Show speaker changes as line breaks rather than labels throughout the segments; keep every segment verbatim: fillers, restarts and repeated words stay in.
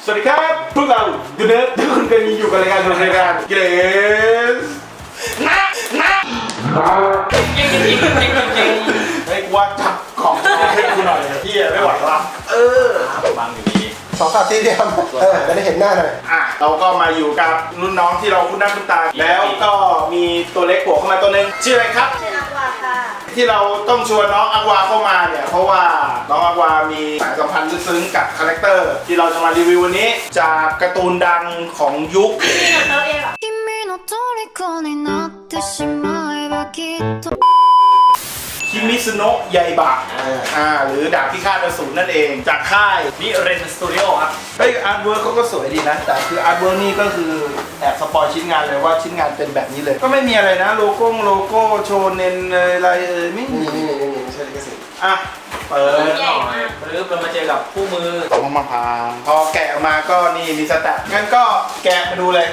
สวัสดีครับพวกเราดูเนิร์ดทุกคนเคยมีอยู่กับรายการรายการเกรสนะนะจริงจริงจริงจริงจริงไอ้กูว่าจับของให้กูหน่อยที่ไม่ไหวละเออบางอยู่ดี
สองสามทีเดียวเออจะได้เห็นหน้าหน่อย
อ่ะเราก็มาอยู่กับรุ่นน้องที่เราคุ้นหน้าคุ้นตาแล้วก็มีตัวเล็กโผล่เข้ามาตัวนึงชื่ออะไรครับ
ชื่ออักวาค่ะ
ที่เราต้องชวนน้องอักวาเข้ามาเนี่ยเพราะว่าน้องอักวามีสายสัมพันธ์ลึกซึ้งกับคาแรคเตอร์ที่เราจะมารีวิววันนี้จากการ์ตูนดังของยุค
นี่เราเติร์เองเหรอ
คิมิซุโนะไยบะอ่าหรือดาบพิฆาตอสูรนั่นเองจากค่ายนิเรนสตูดิโอครับเฮ้ยอาร์ตเวิร์กเขาก็สวยดีนะแต่คืออาร์ตเวิร์กนี่ก็คือแอบสปอยชิ้นงานเลยว่าชิ้นงานเป็นแบบนี้เลยก็ไม่มีอะไรนะโลโก้โลโก้โชเนนอะไรเอ่ยไม่มี
นี่นี่นี่ใช่ลิขสิทธิ์
อ่ะเปิด
ใหญ่มาก
ปึ๊บเรามาเจอกับคู่มือ
ของมะพร้าวพอแกะออกมาก็นี่มีสแตทงั้นก็แกะมาดูเลย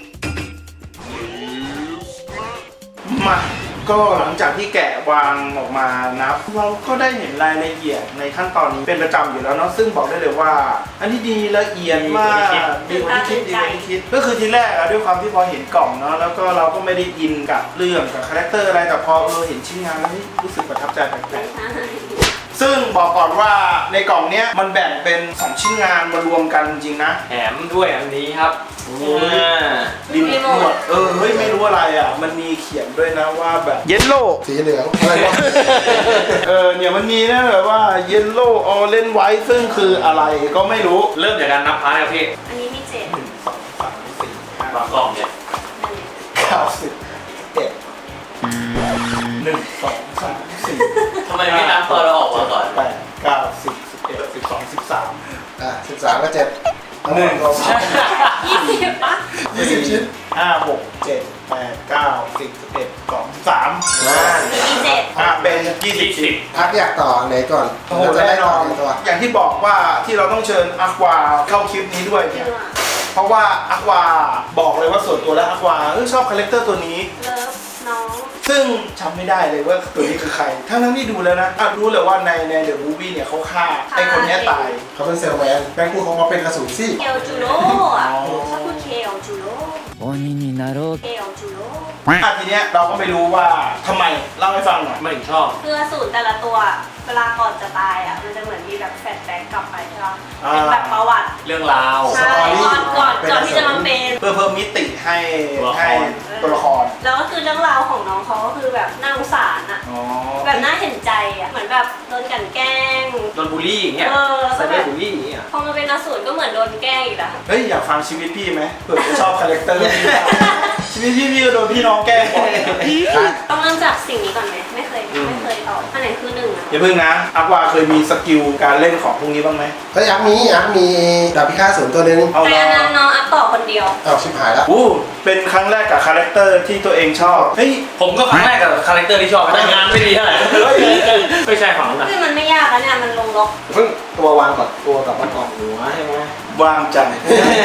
มาก็หลังจากที่แกะวางออกมานะเราก็ได้เห็นรายละเอียดในขั้นตอนนี้เป็นประจำอยู่แล้วเนาะซึ่งบอกได้เลยว่าอันนี้ดีละเอียดมากดีกว่าที่คิดดีกว่าที่คิดก็คือทีแรกอะด้วยความที่พอเห็นกล่องเนาะแล้วก็เราก็ไม่ได้อินกับเรื่องกับคาแรคเตอร์อะไรแต่พอเราเห็นชิ้นงานแล้วรู้สึกประทับใจแปลกๆซึ่งบอกก่อนว่าในกล่องเนี้ยมันแบ่งเป็นสองชิ้นงานมารวมกันจริงนะ
แถมด้วยอันนี้ครับ
รีโมทเออเฮ้ยไม่รู้อะไรอ่ะมันมีเขียนด้วยนะว่าแบบเยลโล่
สีเหลืองอะไรวะ
เออเนี่ยมันมีนะแบบว่าเยลโล่ออเรนจ์ไวท์ซึ่งคืออะไรก็ไม่รู้
เริ่มจากการนับพาร์ทครับพี่
อันนี้มีเจ็ด
หนึ่งสองสามสี่ห้า
บางกล่องเนี่ย
เก้าสิบเอ็ดหนึ่งสองสามสี่
ทำไมไม่นับตอนเราออกมาก่อน
แปดเก้าสิบสิบเอ็ดสิบสองสิบสาม
อ่ะสิบสามก็เจ็ด
หนึ่งสองสาม
ยี่สิบปะ
ยี่สิบชิ้น
ห้าหกเจ็ดแปดเก้าสิบสิบเอ็ดสองสาม
มีเจ็ด
อ่ะเป็นยี่สิบสิบ
พักอยากต่อไหนก่อน
โอ้โหแน่นอนอย่างที่บอกว่าที่เราต้องเชิญอัควาเข้าคลิปนี้ด้วยเนี่ยเพราะว่าอัควาบอกเลยว่าส่วนตัวแล้วอัควาเออชอบคาแรคเตอร์ตัวนี้
เลิฟน้อง
ซึ่งจำไม่ได้เลยว่าตัวนี้คือใครทั้งทั้งที่ดูแล้วนะอ่ะรู้เลยว่าในในเดอะมูฟวี่เนี่ยเขาฆ่าไอ้คนนี้ตาย
เขาเป็นเซลแมนแบงค์กูเขามาเป็นกระสุนซี่
เคลจูโร่อะชอบพูดเคลจูโร่เคลจูโร่
อ่ะทีเนี้ยเราก็ไม่รู้ว่าทำไมเล่าให้ฟังหน่อย
ไม่ถึงชอบ
คืออสูรแต่ละตัวเวลาก่อนจะตายอ่ะมันจะเหมือนมีแบบแฟลชแบ็กกลับไปใช่ไหมเป็นแบบประวัติ
เรื่องราว
ใช่ก่อนก่อนก่อนที่จะมาเป็น
เพื่อเพิ่มมิติให้ให้ตัวละคร
แล้วก็คือเรื่องราวของน้องเขาก็คือแบบน่าสงสารอ่ะแบบน่าเห็นใจอ่ะเหมือนแบบโดนกันแกล้ง
โดนบูลลี่อย่างเงี้ยใส่บูลลี่อย่างเงี้ย
พอมาเป็นอสูรก็เหมือนโดนแกล้งอีกแล้ว
เฮ้ยอยากฟังชีวิตพี่ไหมเผื่อจะชอบคาแรคเตอร์พี่ชีวิตพี่พี่ก็โดนพี่น้องแกล้งบ่อย
ต้องเริ่มจากสิ่งนี้ก่อนไหมไม่เคยไม่เคยตอบอันไหนคือหนึ่งอ่ะ
อย่าเพิ่งนะอักวาเคยมีสกิลการเล่นของพวกนี้บ้างไหม
เฮ้ยอักมีอักมีดาบพิฆาตศูนย์ตัวนึง
แต่อันนั้นน้องอักต่อคนเดียว
อ้าวชิบหายแล้ว
อู้เป็นครั้งแรกกับคาแรคเตอร์ที่ตัวเองชอบเฮ้ย
ผมก็ครั้งแรกกับคาแรคเตอร์ที่ชอบแต่งานไม่ดีเท่าไหร่ไม่ใช่ฝั่งนั้น
คือมันไม่ยากแล้วเนี่ยมันลงล็อก
เพิ่งตัววางก่อนตัวกับมันออกหัวใช่ไหม
วางใจ
ไม่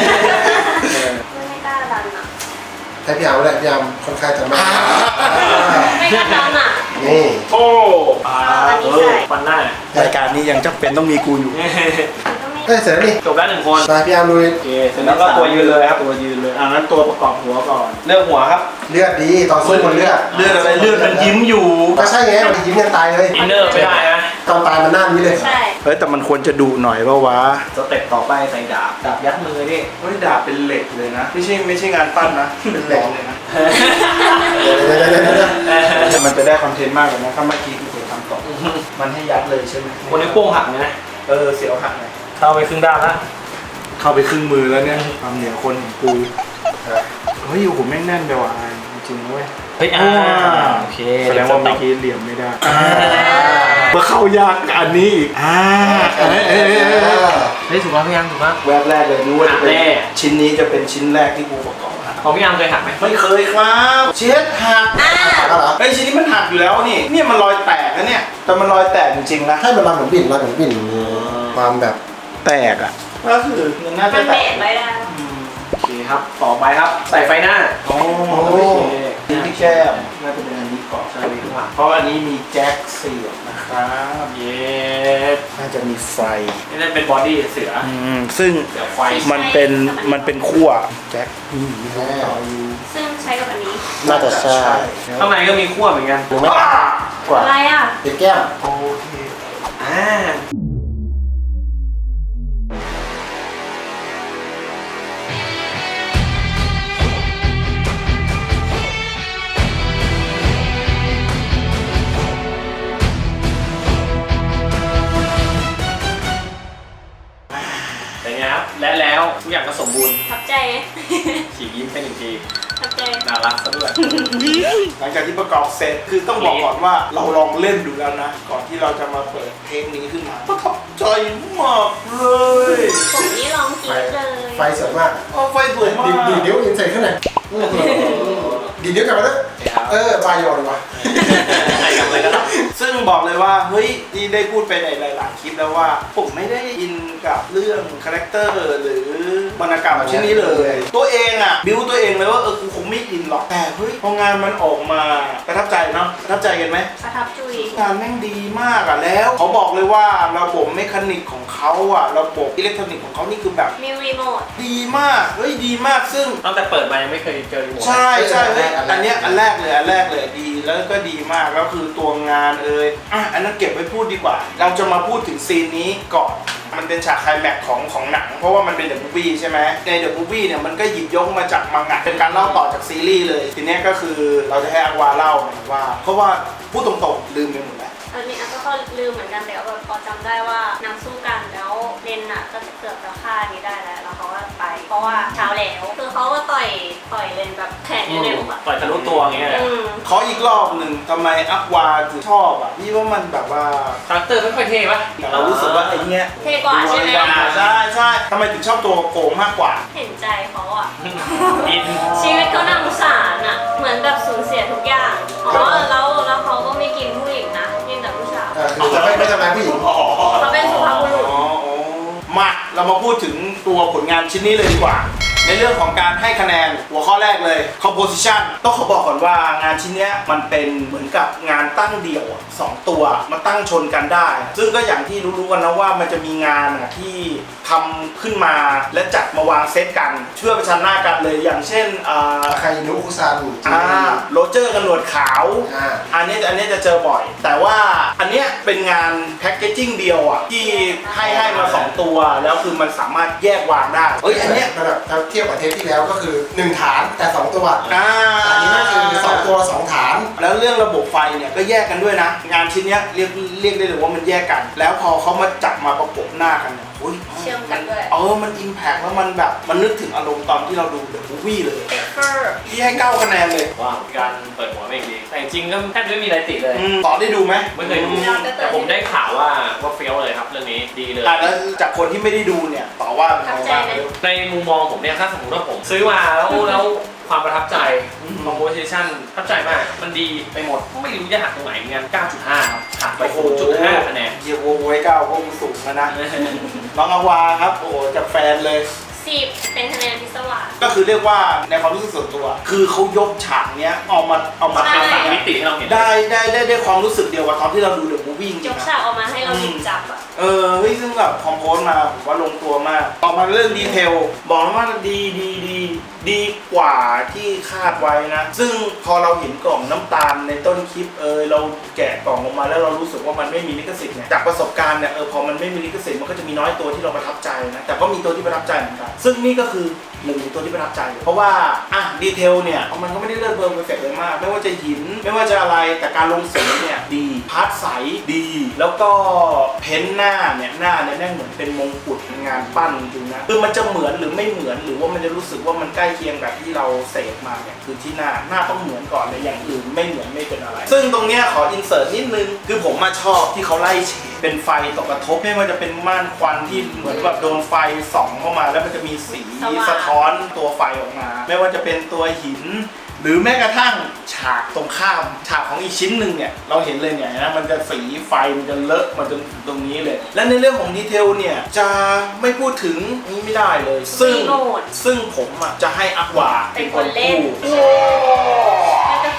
กล้าดันอ่ะ
ให้พี่ยามแหละพี่ยามค่อนข้างจะไม่
ไม่กล้าดันอ่ะ
นี่
โอ้
อันนี้ใส่
ฟันหน้าร
ายการนี้ยังจำเป็นต้องมีกูอยู่
เฮ้ยเสร็จแล้วนี่
จบแล้วหนึ่งคน
มาพี่ยามลุย
โอเคเสร็จแล้วก็ตัวยืนเลยครับตัวยืนเลยอ่างั้นตัวประกอบหัวก่อนเลือกหัวครับ
เลือดดีตอนสู้คนเลือด
เลือดอะไรเลือดมันยิ้มอยู่
ก็ใช่ไงมันยิ้มยังตายเลย
อินเนอร์ไม่ได้นะ
ตอนตายมันหน้านี้เลย
ใช่
เฮ้ยแต่มันควรจะดุหน่อยเพราะว่า
สเต็ปต่อไปใส่ดาบดาบยัดมือนี่
เฮ้ยดาบเป็นเหล็กเลยนะไม่ใช่ไม่ใช่งานปั้นนะเป็นเหล็กเลยนะมันจะได้คอนเทนต์มากเลยนะถ้าเมื่อกี้คือผมทำต่อมันให้ยัดเลยใช่ไหม
คนนี้โป้งหักเลยนะ
เออเสียวหักไง
เข้าไปครึ่งด้านละ
เข้าไปครึ่งมือแล้วเนี่ยความเหนียวคนของกูเฮ้ยอยู่ผมแม่งแน่นไปว่ะจริงๆเว้ย
เฮ้ยอ่าโอเค
แสดงว่าเมื่อกี้เหลี่ยมไม่ได้เมื่อเข้ายากอันนี้อีกอ่าเ
ฮ้ยถูกป่ะพี่ยังถูกป่ะ
แวบแรกเลยรู้ว่าจะเป็นชิ้นนี้จะเป็นชิ้นแรกที่กูประกอบ
ของพี่ยังเคยหักไหม
ไม่เคยครับเช็ดหักไอ้ชิ้นนี้มันหักอยู่แล้วนี่เนี่ยมันรอยแตกนะเนี่ยแต่มันรอยแตกจริงๆนะ
ให้มันมาเหมือนบิ่นมาเหมือนบิ่นความแบบ
แตกอ่ะก็คือมันน่าจะ
แตกไม่ได้
โอเคครับต่อไปครับใส่ไฟหน้า
โอ้โหนี่ที่แคบน่าจะเป็นอันนี้กรอบ
ใช่ข้างหลัง
เพราะอันนี้มีแจ็คเสียบนะครับ
เย็ด
น่าจะมีไฟ
นี่นั่นเป็นบอดี้เสือ
อืมซึ่ง
เสือไฟ
มันเป็นมันเป็นขั้วแจ็คอืมมีต่ออยู่
ซึ่งใช้กับอันนี้
น่าจะใช่
ข้างในก็มีขั้วเหมือนกัน
หรือไม่กว่า
อะไรอ่ะ
เป็นแก้ม
โอเค
อ่า เป็นไงครับ และแล้วทุกอย่างก็สมบูรณ์
ทับใจไหม
ฉีกยิ้มเป็นอีกที
ทับใจ
น่ารักซะด้วย
หลังจากที่ประกอบเสร็จคือต้องบอกก่อนว่าเราลองเล่นดูแล้วนะ ก่อนที่เราจะมาเปิดเพลงนี้ขึ้นมาประทับใจมากเลย
ผมนี่ลองกรีดเลย
ไฟสวยมาก
เอาไฟสวยมาก
ดีดีเดี๋ยวอินใส่ขึ้นหน่อยดีเดี๋ยวกลับมาด้วยเออบายอนว่ะ
ใช่ครับเลยก็ได้
ซึ่งบอกเลยว่าเฮ้ยที่ได้พูดไปในหลายๆคลิปแล้วว่าผมไม่ได้อินกับเรื่องคาแรคเตอร์หรือวรรณกรรมชิ้นนี้เลย ตัวเองอ่ะบิวตัวเองเลยว่าเออกูคงไม่อินหรอกแต่เฮ้ยพองานมันออกมาประทับใจเนาะประทับใจกันไหม
ประทับจุย
งานแม่งดีมากอ่ะแล้วเขาบอกเลยว่าระบบเมคานิกของเขาอ่ะระบบอิเล็กทรอนิกส์ของเขานี่คือแบบ
มีรีโมท
ดีมากเฮ้ยดีมากซึ่ง
ตั้งแต่เปิดมายังไม่เคยเจอรีโมท
ใช่ใช่เฮ้ย
อั
อัน
นแรก
เนี้ยอันแรกเลยอันแรกเลยดีแล้วก็ดีมากแล้วคือตัวงานเอ่ยอ่ะอันนั้นเก็บไว้พูดดีกว่า เราจะมาพูดถึงซีนนี้ก่อนมันเป็นฉากไคลแม็กซ์ของของหนัง เพราะว่ามันเป็นเดอะมูฟวี่ใช่ไหมในเดอะมูฟวี่เนี่ยมันก็หยิบยกมาจากมังงะเป็นการเล่าต่อจากซีรีส์เลยทีเนี้ยก็คือเราจะให้อาวาเล่าหน่อยว่า เพราะว่าพูดตรงๆลืมไปหมดแล้ว
อันนี้อันก็ลืมเหมือนกันแต่ว่าแบบพอจำได้ว่านางสู้กันแล้วเลนน่ะก็จะเกือบจะฆ่านี้ได้แล้วแล้วเขาก็ไป เพราะว่าเช้าแล้วคือเขาก็ต่อยต่อยเลนแบบแขนอยู่ในอกอะ
ปล่อยทะลุตัวอย่างเงี้ยเลย
อืม
ขออีกรอบหนึ่งทำไมอัควาถึงชอบอ่ะพี่ว่ามันแบบว่า
คาแรคเตอร์ไม่ค่อยเท่ปะ
เรารู้สึกว่าไอ้เนี้ย
เท่กว่าใช่ไหม
อ่าใช่ใช่ทำไมถึงชอบตัวโกงมากกว่า
เห็นใจเขาอ่ะ
อิน
ชีวิตเขาน่าสงสารอ่ะ เหมือนแบบสูญเสียทุกอย่างอ๋อแล้วแล้วเขาก็ไม่กินผู้หญิงนะกินแต่ผู้ชาย
เออคือจะไม่ไม่ทำร้ายผู้หญิง
เขาเป็นสุภาพบุรุษ
อ๋ออ๋อมาเรามาพูดถึงตัวผลงานชิ้นนี้เลยดีกว่า ในเรื่องของการให้คะแนนหัวข้อแรกเลย composition ต้องขอบอกก่อนว่างานชิ้นเนี้ยมันเป็นเหมือนกับงานตั้งเดี่ยวอะสองตัวมาตั้งชนกันได้ ซึ่งก็อย่างที่รู้ๆกันนะว่ามันจะมีงานอะที่ทำขึ้นมาและจัดมาวางเซตกันเชื่อประชันหน้ากันเลยอย่างเช่นอ่า
ใครนุคุซัน
อ่าโรเจอร์กับหนวดขาว
อ่า
อันนี้อันนี้จะเจอบ่อย แต่ว่าอันเนี้ยเป็นงานแพ็กเกจจิ้งเดียวอ่ะที่ให้ให้มาสองตัวแล้วคือมันสามารถแยกวางได้เอ้ยอันเนี้ย
ระดับถ้าเทียบกับเทปที่แล้วก็คือหนึ่งฐานแต่สองตัว
อ่า
อันนี้ก็คือสองตัวสองฐาน
แล้วเรื่องระบบไฟเนี่ยก็แยกกันด้วยนะ งานชิ้นเนี้ยเรียกเรียกได้เลยว่ามันแยกกัน แล้วพอเขามาจับมาประกบหน้ากันเนี่ยโอ้ย
เชื่อมกันด้วย
เออมันอิมแพกแล้วมันแบบมันนึกถึงอารมณ์ตอนที่เราดูเดอะมูฟวี่เลย
เปเปอร์
ที่ให้เก้าคะแนนเลย
ว้าวการเปิดหัวไม่ดีแต่จริงๆก็แทบจะไม่มีอะไรติเลย
อืมต่อได้ดูไหม
ไม่เคยดูแต่ผมได้ข่าวว่าว่าเฟี้ยวเลยครับเรื่องนี้ดีเลย
อ่ะแล้วจากคนที่ไม่ได้ดูเนี่ยต่อว่าเป็น
ทับ
ไง
ใจ
บ้าง
ไหม
ในมุมมองผมเนี่ยถ้าสมมติว่าผมซื้อมาแล้วแล้วความประทับใจ
อืม
composition ประทับใจมาก มันดีไปหมดไม่รู้จะหักตรงไหนเหมือนกัน เก้าจุดห้า ครับหักไป ศูนย์จุดห้า คะแนน
เยียโวไว้เก้าก็สูงแล้วนะ น้องอาวาครับ โอ้โหจากแฟนเลย
สิบเป็นคะแนนพิศวาส
ก็คือเรียกว่าในความรู้สึกส่วนตัว คือเขายกฉากเนี้ยเอามาเอามา
ใช่
ทำ
สามมิติให้เราเห็น
ได้ได้ได้ได้ความรู้สึกเดียวกับตอนที่เราดูเดอะมูฟวี่จ
ย
ริง
ก
ๆ
ฉา
นะ
กออกมาให้เราหยิบจับอ่ะ
เออเฮ้ยซึ่งแบบคอมโพสมาผมว่าลงตัวมากต่อมาเรื่องดีเทล บอกเลยว่าดีดีดีดีกว่าที่คาดไว้นะ ซึ่งพอเราเห็นกล่องน้ำตาลในต้นคลิปเออเราแกะกล่องออกมาแล้วเรารู้สึกว่ามันไม่มีลิขสิทธิ์เนี่ยจากประสบการณ์เนี่ยเออพอมันไม่มีลิขสิทธิ์มันก็จะมีน้อยตัวที่เราประทับใจนะแต่ก็มีตัวที่ประทับใจเหมือนกันซึ่งนี่ก็คือหนึ่งในตัวที่ประทับใจเลยเพราะว่าอ่ะดีเทลเนี่ยมันก็ไม่ได้เลิศเบอร์เพอร์เฟกต์เลยมากไม่ว่าจะหินไม่ว่าจะอะไรแต่การลงสีเนี่ยดีพาร์ทใสดี แล้วก็เพ้นหน้าเนี่ยหน้าเนี่ยแม่งเหมือนเป็นมงกุฎงานปั้นจริงๆนะคือมันจะเหมือนหรือไม่เหมือนหรือว่ามันจะรู้สึกว่ามันใกล้เคียงกับที่เราเสพมาเนี่ยคือที่หน้าหน้าต้องเหมือนก่อนเลยอย่างอื่นไม่เหมือนไม่เป็นอะไร ซึ่งตรงเนี้ยขออินเสิร์ตนิดนึงคือผมมาชอบที่เขาไล่เฉดเป็นไฟตกกระทบไม่ว่าจะเป็นม่านควันที่เหมือนแบบโดนไฟส่องเข้ามาแล้วมันจะมีสี
สว่าง
สะท้อนตัวไฟออกมา ไม่ว่าจะเป็นตัวหิน หรือแม้กระทั่งฉากตรงข้ามฉากของอีกชิ้นหนึ่งเนี่ยเราเห็นเลยเนี่ยนะมันจะสีไฟมันจะเลอะมาจนตรงนี้เลย และในเรื่องของดีเทลเนี่ยจะไม่พูดถึงนี้ไม่ได้เลย ซึ่ง
รีโมท
ซึ่งผมอ่ะจะให้อัควา
เป็นคนเล่น
คู่
แล้วก็คิดแค่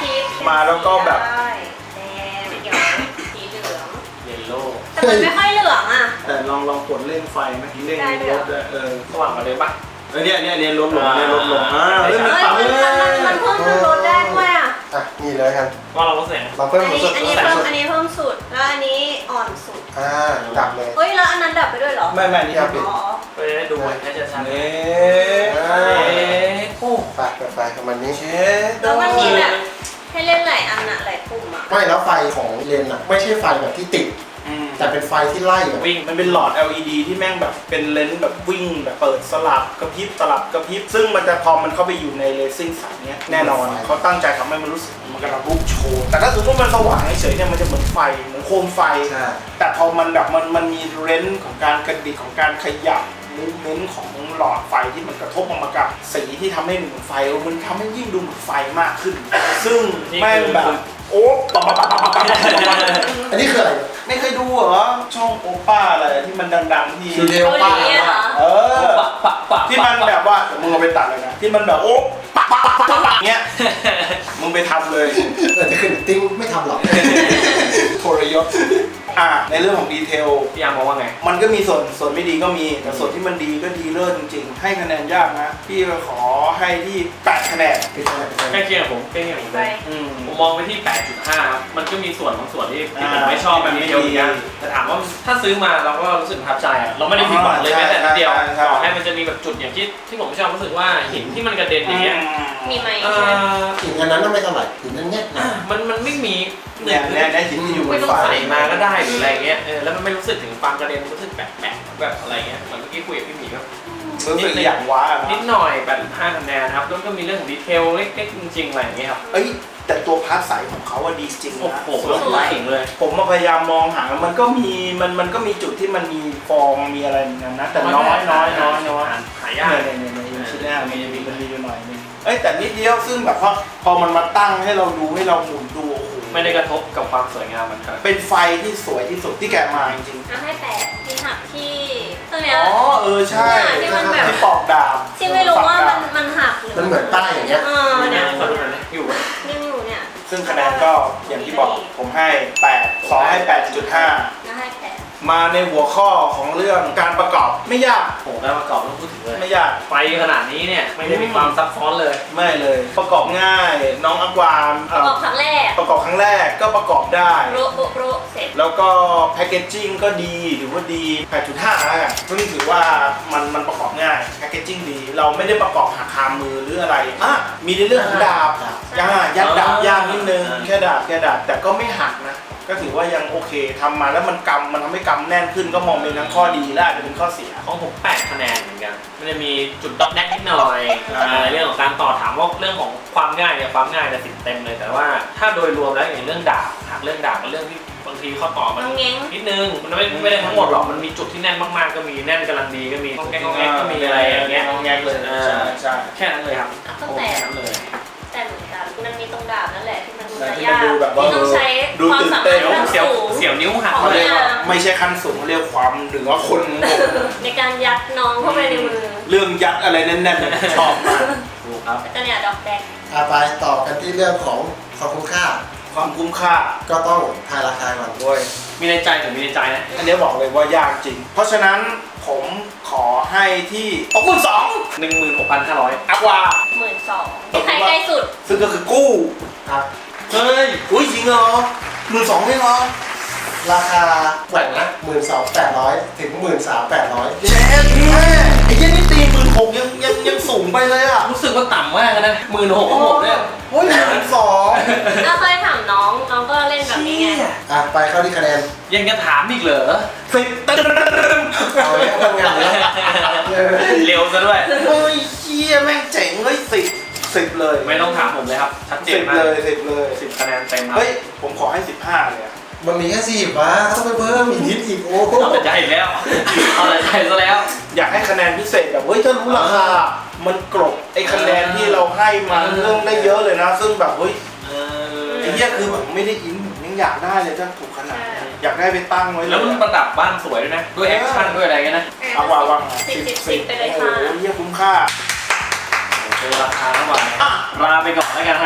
มาแล้วก็แบบ
ได้แดงเขียวสีเหลือง
เยลโล่
แต่มันไม่ค่อยเหลืองอ่ะ
แต่ลองลองกดเร่งไฟไหมเร่ง
ได้ด้วย
ร
เหรอ
ถด้วยเออ
สว่างกว่าเดิมปะ
เออเนี่ยเนี่ยเนี่ยลดลงเนี่ยลดลงอ่า
เฮ้
เฮ้ย
ย
มัน
เอ้ย
ปรับ
มันมันมันเพิ่มจนลดได้ด้วยอ่ะ
อ่ะนี่เลยกัน
ว่าเราลดเสียง
เราเพิ่ม
อัน
รู้
นี้
สึก
อันนี้
แสง
เพิ่ม
สุด
อันนี้เพิ่มสุดแล้วอันนี้อ่อนสุด
อ่าดับเลย
เฮ้ยแล้วอันนั้นดับไปด้วยเหรอ
ไม่ไม่นี่ครับ
อ๋อ
ไปได้ดูให้ชัดๆ
เอ๊
อ่า
เอ๊ะโอ้
ไปเปิดไฟประมาณนี้
เช็ด
แล้วมันมีแบบให้เล่นหลายอันอะหลายปุ่มอะ
ไม่แล้วไฟของเลนส์อ่ะไม่ใช่ไฟแบบที่ติด
อืม
แต่เป็นไฟที่ไล่อะ
วิ่ง
มันเป็นหลอด แอล อี ดี ที่แม่งแบบเป็นเลนส์แบบวิ่งแบบเปิดสลับกระพริบสลับกระพริบซึ่งมันจะพอมันเข้าไปอยู่ในเลซิ่งสายเนี้ยแน่นอนเขาตั้งใจทำให้มันรู้สึกมันกำลังลุกโชว์แต่ถ้าสมมติมันสว่างเฉยๆเนี่ยมันจะเหมือนไฟเหมือนโคมไฟ
ใช่
แต่พอมันแบบมันมันมีเรนส์ของการกระดิกของการขยับมูฟเมนต์ของหลอดไฟที่มันกระทบออกมากับสีที่ทำให้เหมือนไฟเออมันทำให้ยิ่งดูเหมือนไฟมากขึ้น ซึ่งแม่งแบบโอ๊ะปั๊บปั๊บปั๊บปั๊บปั๊บปั๊บ
อันนี้คืออะไร
ไม่เคยดูเหรอช่องโอป้าอะไรที่มันดังๆที่
คือเทลป้า
เกาหลีอะเหรอ
เออ
ปะปะปะ
ที่มันแบบว่ามึงเอาไปตัดเลยนะที่มันแบบโอ๊ะปั๊บปั๊บปั๊บปั๊บปั๊บเงี้ยมึงไปทำเลย
เออจะขึ้นติ้งไม่ทำหรอก
โทรยศอ่ะในเรื่องของดีเทล
พี่ยามมองว่าไง
มันก็มีส่วนส่วนไม่ดีก็มีแต่ส่วนที่มันดีก็ดีเลิศจริงๆ ให้คะแนนยากนะ พี่ก็ขอให้ที่แปดคะแนน
ไม่ใช่ไม่ใช่
ใกล้เคียงกับผมใกล้เคียงกับผม
ไป
เลย
อืม
ผมมองไปที่ แปดจุดห้า ครับ มันก็มีส่วนบางส่วนที่ที่ผม
อ่า
ไม่ชอบแบบนี้เดียวเหมือนกันแต่ถามว่าถ้าซื้อมาเราก็รู้สึกประทับใจอะเราไม่ได้ผิดหวังเลยแม้แต่นิดเดียว
ใช่ใช่
ต่อให้มันจะมีแบบจุดอย่างที่ที่ผมไม่ชอบรู้สึกว่าหินที่มันกระเด็นอย่างเงี้ย
มีไหม
เอ่
ใช่ไหม
อ
หินอันนั้นน่ะไม่เท่าไหร่หินนั้นเนี่ยนะ
มันมันไม่มีห
เนี่ย
นึ่ง
เนี่ยเนี่ยหินที่อยู่บ
ไม่
น
ต้อง
ฟ้า
ใส่มาก็ได้หรืออะไรเงี้ยเออแล้วมันไม่รู้สึกถึงความกระเด็นรู้สึกแปลกๆแบบอะไรเงี้ยเหมือนเมื่อกี้คุยกับพี่หมีก็
รู้สึกอย่างว้าอะ
นิด
นะ
หน่อยแปดห้าคะแนนครับแล้วก็มีเรื่องของดีเทลเล็กๆจริงๆอะไรอย่างเงี้ยครับ
เอ้ยแต่ตัวพาร์ทใสของเขาว่าดีจริง
โอ้
นะ
โหแล้วผมถึงเลย
ผมมาพยายามมองหามันก็มีมันมันก็มีจุดที่มันมีฟองมีอะไรเหมือนกันนะแต่น้อยน้อยน้อยน้อย
หายาก
เนี่ยเนี่ยเนี่ยชิ้นแรกมันมีมันมีอยู่หน่อยนึงเอ้ยแต่นิดเดียวซึ่งแบบว่าพอมันมาตั้งให้เราดูให้เราหมุนดูโอ้โห
ไม่ได้กระทบกับความสวยงามมันครับ
เป็นไฟที่สวยที่สุดที่แกะมาจริง
เอาให้แปดที่หักที่ตัว
ๆ
เนี้ย
อ๋อเออใช่
ที่มันแบบ
ที่ปอกดาบ
ที่ไม่รู้ว่ามันมันหักหรือ
มันเหมือนป้ายอย่างเงี้ย
เออเนี่ย
ขอดูหน่อยนะอยู่ไหม
นิ่มอยู่เนี่ย
ซึ่งคะแนนก็อย่างที่บอกผมให้แปดสองให้แปดจุดห้า
แล้วให้แปด
มาในหัวข้อของเรื่องการประกอบไม่ยาก
โอ้โหการประกอบต้องพูดถึงเลย
ไม่ยาก
ไฟขนาดนี้เนี่ยไม่ได้มีความซับซ้อนเลย
ไม่เลย ประกอบง่าย น้องอากวาม
ป
เอ่
ระก
อ
อบครั้งแรก
ประกอบครั้งแรกก็ประกอบได้
โปรโปรโปรเสร็จ
แล้วก็แพคเกจจิ้งก็ดีหรือว่าดี แปดจุดห้า แล้วกันซึ่งถือว่ามันมันประกอบง่ายแพคเกจจิ้งดี เราไม่ได้ประกอบหักคามือหรืออะไรอ่ะมีในเรื่องของดาบ
ดาบ
ย่ายัดดาบย่างนิดนึง
อ่า
แค่ดาบแค่ดาบแต่ก็ไม่หักนะ ก็ถือว่ายังโอเคทำมาแล้วมันกำมันทำให้กำแน่นขึ้นก็มองเป็นทั้งข้อดีและอาจจะเป็นข้อเสีย
ของผมแปดคะแนนเหมือนกันมันจะมีจุดดอกแดกนิดหน่อย
อ่า
อ่าเรื่องของการต่อถามว่าเรื่องของความง่ายเนี่ยความง่ายเนี่ยสิบเต็มเลยแต่ว่าถ้าโดยรวมแล้วอย่างเรื่องดาบหักเรื่องดาบเป็นเรื่องที่บางทีข้อต่อมัน
น้องเง้ง
นิดนึงมันไม่ไม่ได้ทั้งหมดหรอกมันมีจุดที่แน่นมากๆก็มีแน่นกำลังดีก็มีงองแงกงองแงกก็มีอะไรอย่างเงี้ย
งองแงกเลย
อ่า
ใช่ใช่
แค่นั้นเลยครับ
ก็
โอ้
แต่
แค่นั้นเลย
แต่เหมือนกันมันมีตรงดาบนั่นแหละที่มันดู
แต่
จะ
ที่
ยาก
มันดูแบบว่า
ที่ต้องใช้
ดู
ความ
ตื่น
สา
เต้
มารถ
น
ขั้น
เสียว
สูง
เสียวนิ้วหัก
ของ
เขา
เล
เรี
ย
ยกว่าไม่ใช่ขั้นสูงเขาเรียกความเหนือคนโง่
ในการยัดน้องเข้าไปในมือ
เรื่องยัดอะไรแน่นๆเนี่ยชอบมาก
ถูกครับ
แล้วก็เนี่ยดอกแดง
อาไปต่อกันที่เรื่องของความคุ้มค่า
ความคุ้มค่า
ก็ต้องทายราคาก่อน
ด้วย
มีในใจถึงมีในใจนะ
อันนี้บอกเลยว่ายากจริง เพราะฉะนั้นผมขอให้ที่หกหมื่นสอง
หนึ่งหมื่นหกพันห้าร้อย
อักวา
หมื่นสองที่ใครใกล้สุด
ซึ่งก็คือกู้
ครับ
เฮ้ย อุ้ยจริงเหรอหมื่นสองไม่เหรอ
ราคาแหว่งนะหมื่นสองแปดร้อยถึงหมื่นสามแปดร้อย
เจ๊แม่ไอ้เหี้ยันนี่ตีหมื่นหกยังยังยังสูงไปเลยอ่ะ
รู้สึกว่าต่ำมากนะหมื่นหกของผมเนี่ย
โอ้ยหมื่นสอง
ถ้าเคยถามน้อง น้องก็เล่นแบบนี้ไง
อ่ะไปเข้าที่คะแนน
ยังจะถามอีกเหรอ
สิบตึ้ง
เอาไว้ทำงานแล้วเออ
เร็วซะด้วย
เฮ้ยเชี่ยแม่งเจ๋งเฮ้ยสิบสิบเลย
ไม่ต้องถามผมเลยครับ ชัดเจ
สิ
น
บ
มาก
เลยสิบเลย
สิบคะแนนเต็มครับ
เฮ้ย ผมขอให้สิบห้าเลยอะ
มันมีแค่สี่วะต้องไปเพิ่มอีกนิดอีกโอ้โห
เอาแต่ใจอีกแล้ว เอาแต่ใจซะแล้ว
อยากให้คะแนนพิเศษแบบเฮ้ยถ้ารู้ราคา มันกรบไอ้คะแนนที่เราให้มา
เออ
เรื่องได้เยอะเลยนะ ซึ่งแบบเฮ้ย
เออ
ไอ้เหี้ยคือแบบไม่ได้อินผมยังอยากได้เลยถ้าถูกขนาดนี้อยากได้ไปตั้งไว้เลย
แล้วมันประดับบ้านสวยด้วยนะ ด้วยแอคชั่นด้วยอะไรเงี้ยนะ
เอาว่าวาง
สิบสิบสิบไปเลย
โอ้
ค่ะ
โหเหี้ยคุ้มค่า
โอ้โหราคาทั้งวันลาไปก่อนแล้วกันฮะ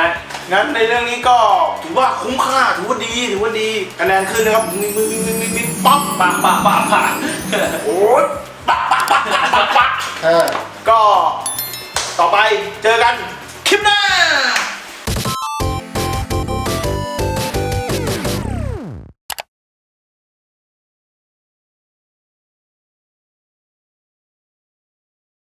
งั้นในเรื่องนี้ก็ถือว่าคุ้มค่าถือว่าดีถือว่าดีคะแนนขึ้นนะครับมึงมึงมึงมึงมึงป๊อกปากปากปากปากโอ้ยปากปากปากปากปาก
เออ
ก็ต่อไปเจอกัน